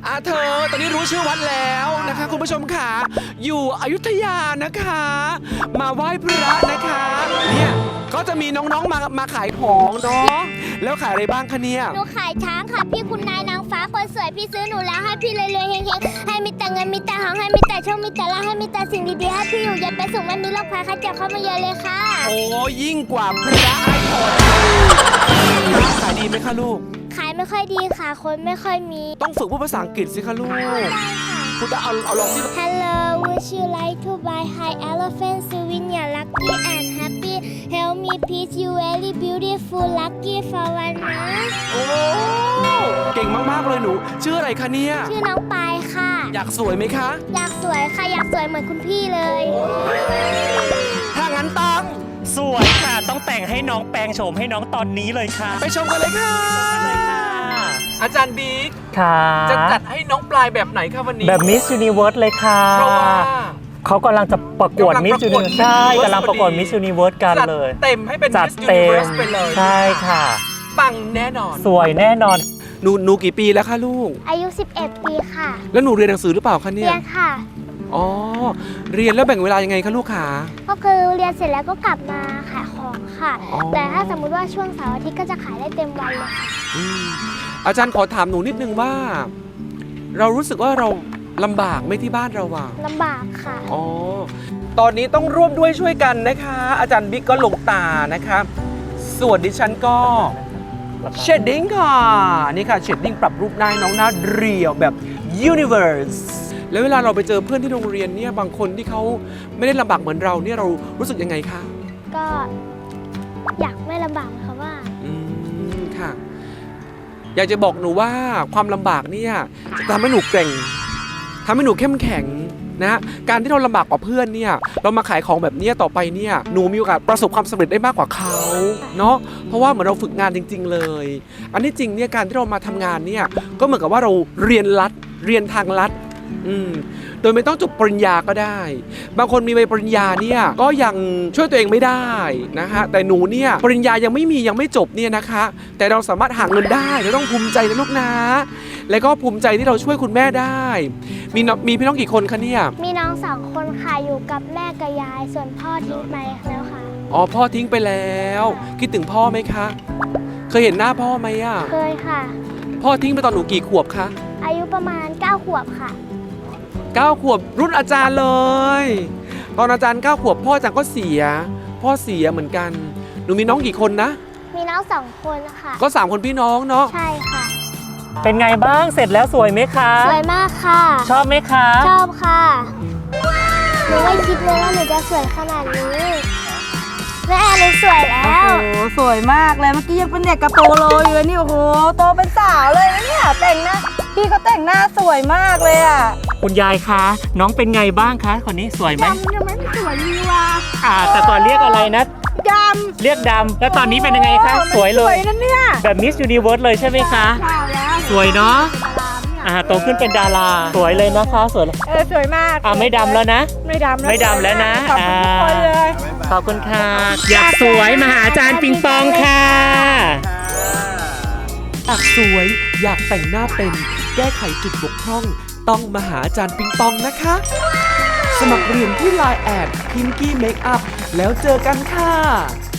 เธอตอนนี้รู้ชื่อวัดแล้วนะคะคุณผู้ชมค่ะอยู่อยุธยานะคะ มาไหว้พระนะคะเนี่ยก็จะมีน้องๆมาขายของเนาะแล้วขายอะไรบ้างคะเนี่ยหนูขายช้างค่ะพี่คุณนายนางฟ้าคนสวยพี่ซื้อหนูแล้วให้พี่รวยๆเฮงๆให้มีแต่เงินมีแต่ทองให้มีแต่โชคมีแต่ลาภให้มีแต่สิ่งดีๆให้พี่อยู่เย็นเป็นสุขไม่มีโรคภัยไข้เจ็บเข้ามาเยอะเลยค่ะโอ้ยิ่งกว่าพระไอพอดขายดีไหมคะลูกขายไม่ค่อยดีค่ะคนไม่ค่อยมีต้องฝึกพูดภาษาอังกฤษสิคะลูกได้ค่ะพูดเอาลองสิ Hello would you like to buy high elephant souvenir lucky and happy help me please you very beautiful lucky for one นะโอ้เก่งมากๆเลยหนูชื่ออะไรคะเนี่ยชื่อน้องปายค่ะอยากสวยไหมคะอยากสวยค่ะอยากสวยเหมือนคุณพี่เลยถ้างั้นต้องสวยค่ะต้องแต่งให้น้องแปลงโฉมให้น้องตอนนี้เลยค่ะไปชมกันเลยค่ะอาจารย์บิ๊กค่ะจะจัดให้น้องปลายแบบไหนคะวันนี้แบบ Miss Universe เลยค่ะเพราะว่าเขากำลังจะประกวด Miss Universe ใช่กำลังประกวด Miss Universe กันเลยเต็มให้เป็นจัด Miss เต็ม Universe ไปเลยใช่ค่ะปังแน่นอนสวยแน่นอนหนูกี่ปีแล้วคะลูกอายุ11 ปีค่ะแล้วหนูเรียนหนังสือหรือเปล่าคะเนี่ยเรียนค่ะอ๋อเรียนแล้วแบ่งเวลายังไงคะลูกขาก็คือเรียนเสร็จแล้วก็กลับมาขายของค่ะแต่ถ้าสมมุติว่าช่วงเสาร์อาทิตย์ก็จะขายได้เต็มวันเลยค่ะอาจารย์ขอถามหนูนิดนึงว่าเรารู้สึกว่าเราลำบากไหมที่บ้านเราอะลำบากค่ะอ๋อตอนนี้ต้องร่วมด้วยช่วยกันนะคะอาจารย์บิ๊กก็ลงตานะคะส่วนดิฉันก็เชดดิ้งค่ะนี่ค่ะเชดดิ้งปรับรูปหน้าน้องหน้าเรียวแบบ Universe แล้วเวลาเราไปเจอเพื่อนที่โรงเรียนเนี่ยบางคนที่เขาไม่ได้ลำบากเหมือนเราเนี่ยเรารู้สึกยังไงคะก็อยากไม่ลำบากค่ะว่าค่ะอยากจะบอกหนูว่าความลำบากเนี่ยจะทำให้หนูเก่งทำให้หนูเข้มแข็งนะการที่เราลำบากกว่าเพื่อนเนี่ยเรามาขายของแบบนี้ต่อไปเนี่ยหนูมีโอกาสประสบความสำเร็จได้มากกว่าเขาเนาะเพราะว่าเหมือนเราฝึกงานจริงๆเลยอันนี้จริงเนี่ยการที่เรามาทำงานเนี่ยก็เหมือนกับว่าเราเรียนทางลัดโดยไม่ต้องจบปริญญาก็ได้บางคนมีใบปริญญาเนี่ยก็ยังช่วยตัวเองไม่ได้นะคะแต่หนูเนี่ยปริญญายังไม่จบเนี่ยนะคะแต่เราสามารถหาเงินได้เราต้องภูมิใจนะลูกนะแล้วก็ภูมิใจที่เราช่วยคุณแม่ได้มีพี่น้องกี่คนคะเนี่ยมีน้อง2 คนค่ะอยู่กับแม่กับยายส่วนพ่อทิ้งไปแล้วค่ะอ๋อพ่อทิ้งไปแล้วคิดถึงพ่อไหมคะเคยเห็นหน้าพ่อไหมอ่ะเคยค่ะพ่อทิ้งไปตอนหนูกี่ขวบคะอายุประมาณ9 ขวบค่ะ 9 ขวบรุ่นอาจารย์เลยตอนอาจารย์9 ขวบพ่ออาจารย์ก็เสียเหมือนกันหนูมีน้องกี่คนนะมีน้อง2 คนค่ะก็3 คนพี่น้องเนาะใช่ค่ะเป็นไงบ้างเสร็จแล้วสวยไหมคะสวยมากค่ะชอบไหมคะชอบค่ะหนูไม่คิดเลยว่าหนูจะสวยขนาดนี้แม่หนูสวยแล้วโอ้โหสวยมากเลยเมื่อกี้ยังเป็นเด็กกระโปโลอยู่เลยนี่โอ้โหโตเป็นสาวเลยนะเนี่ยแต่งหน้าพี่ก็แต่งหน้าสวยมากเลยอ่ะคุณยายคะน้องเป็นไงบ้างคะคนนี้สวยไหมยังไม่สวยดีว่ะแต่ก่อนเรียกอะไรนะดำเรียกดำแล้วตอนนี้เป็นยังไงคะสวยเลยนั่นเนี่ยแบบ Miss Universe เลยใช่ไหมคะสวยเนาะโตขึ้นเป็นดาราสวยเลยนะคะสวยสวยมากไม่ดำแล้วนะไม่ดำแล้วนะขอบคุณทุกคนเลยขอบคุณค่ะอยากสวยมาหาอาจารย์ปิงปองค่ะอยากสวยอยากแต่งหน้าเป็นแก้ไขจุดบกพร่องต้องมาหาอาจารย์ปิงปองนะคะสมัครเรียนที่ LINE@ Pinky Makeup แล้วเจอกันค่ะ